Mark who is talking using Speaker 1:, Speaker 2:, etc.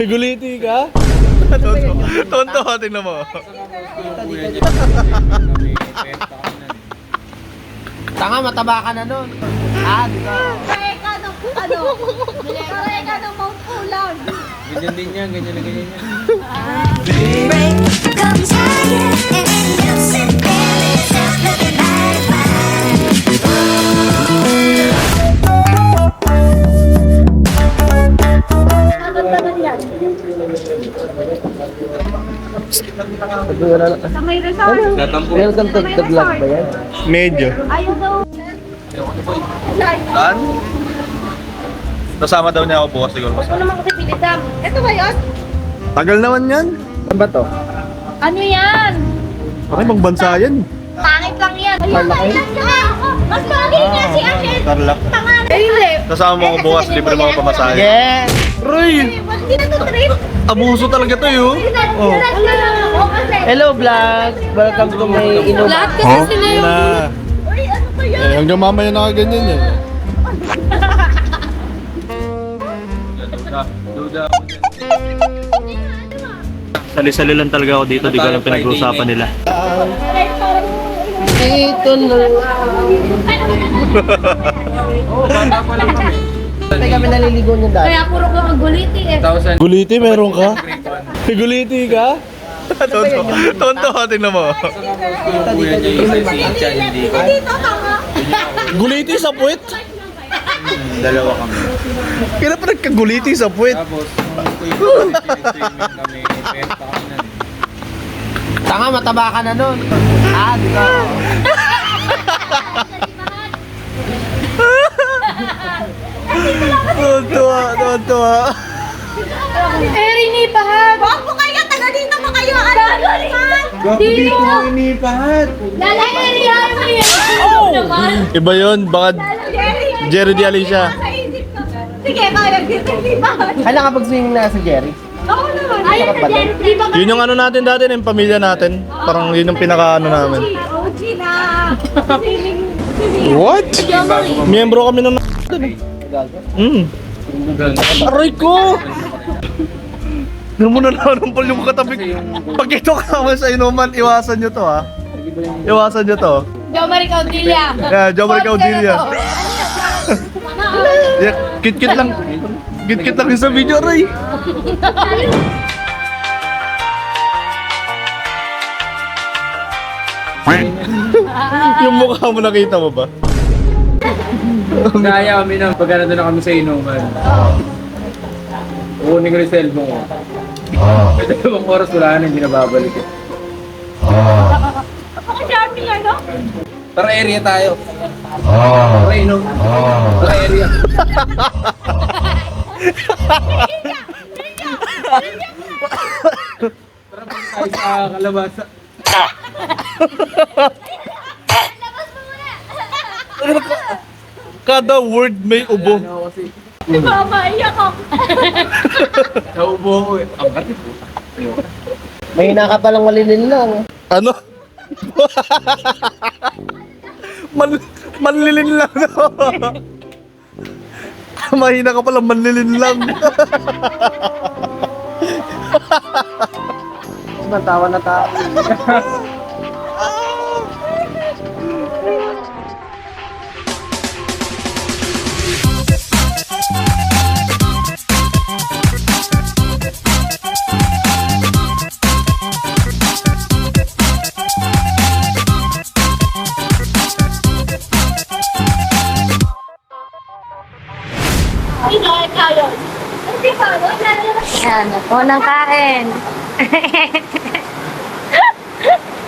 Speaker 1: Guliti ka? Tonto, tingnan mo.
Speaker 2: Tanga, mataba ka na nun. Ah, di ba?
Speaker 3: Kaya ka ng ano? Kaya ka ng Mount Ulan.
Speaker 4: Ganyan din yan, ganyan na ganyan yan.
Speaker 5: Break comes higher and you sit there yourself looking mighty
Speaker 3: Sa may resort.
Speaker 2: Welcome to the vlog ba yan?
Speaker 1: Medyo.
Speaker 3: Ayaw daw.
Speaker 1: Saan? Kasama daw niya ako bukas siguro.
Speaker 3: Huwag mo naman kasi pilitan. Ito ba yun?
Speaker 1: Tagal naman yan.
Speaker 2: Saan ba to?
Speaker 3: Ano yan?
Speaker 1: Bakit bang bansa yan?
Speaker 3: Pangit lang yan. Kailan ka ako? Mas pangit niya si Ashen.
Speaker 1: Tarlac.
Speaker 3: Pangalan. Hindi.
Speaker 1: Kasama mo ako bukas, libre mga pamasahe.
Speaker 2: Yes!
Speaker 1: Roy!
Speaker 3: Hindi na to trip.
Speaker 1: Abuso talaga to yun. Oh.
Speaker 2: Hello vlog! Welcome to my inuman.
Speaker 3: Lahat kasi sila yung...
Speaker 1: Na.
Speaker 3: Uy, ano ba yan?
Speaker 1: Eh, hanggang mamaya nakaganyan yan.
Speaker 4: Duda.
Speaker 1: Sali-sali lang talaga ako dito, di ko lang pinag-uusapan nila.
Speaker 2: Dito na
Speaker 4: Oo, bata pa lang kami.
Speaker 2: Tayo kami naliligo niyo dati.
Speaker 3: Kaya puro ka maguliti eh.
Speaker 4: 1,000.
Speaker 1: Guliti, meron ka? Guliti ka? Tonto, tonto, tingnan mo.
Speaker 4: Kuya niya yung isa hindi ko.
Speaker 3: Dito tanga.
Speaker 1: Guliti sa puwet?
Speaker 4: Dalawa kami.
Speaker 1: Kaya pa nagkaguliti sa puwet?
Speaker 4: Tapos, nung kuya swimming kami, penta kami na.
Speaker 2: Tanga, mataba ka na nun. Ah, di ba?
Speaker 1: Tontuwa, tontuwa.
Speaker 3: Eri bahat. Wag mo kayo, taga dito mo kayo. Dito.
Speaker 4: inipahat.
Speaker 3: Lala area mo yan.
Speaker 1: Iba yun, baka Jerry Di Alicia.
Speaker 3: Sige, kaya dito bahat.
Speaker 2: Ay, nakapag-swimming na si Jerry.
Speaker 3: Oo naman. Ayun na dyan. Di ba?
Speaker 1: Yun yung ano natin dati, yung pamilya natin. Parang yun yung pinaka-ano namin.
Speaker 3: OG na.
Speaker 1: What? Miyembro kami ng Aray ko! Ganun mo na naman yung katabi. Pag ito ka sa inuman, iwasan nyo to ha. Iwasan nyo to.
Speaker 3: Jomari Caudilla.
Speaker 1: Yeah, Jomari Caudilla. Yeah, kit-kit lang. Kit-kit lang yung sa video, Ray. Yung mukha mo nakita mo ba?
Speaker 4: Kaya kami na, pagka nandun na kami sa inuman. Kukunin ko yung cellphone ko. May 2 oras wala na, hindi na babalik eh.
Speaker 3: Napaka-charming ano?
Speaker 4: Tara area tayo. Tara inom. Tara area. Tara pa tayo sa kalabasa.
Speaker 1: Kada word may ubo.
Speaker 4: Ano kasi,
Speaker 3: Maiyak ako.
Speaker 4: naubo ko eh. Ang katip po.
Speaker 2: May hina ka palang malilin lang.
Speaker 1: Ano? Manlilin lang no? Mahina ka pala, manlilin lang.
Speaker 2: Matawa na tao.
Speaker 3: Yan, ako ng kain.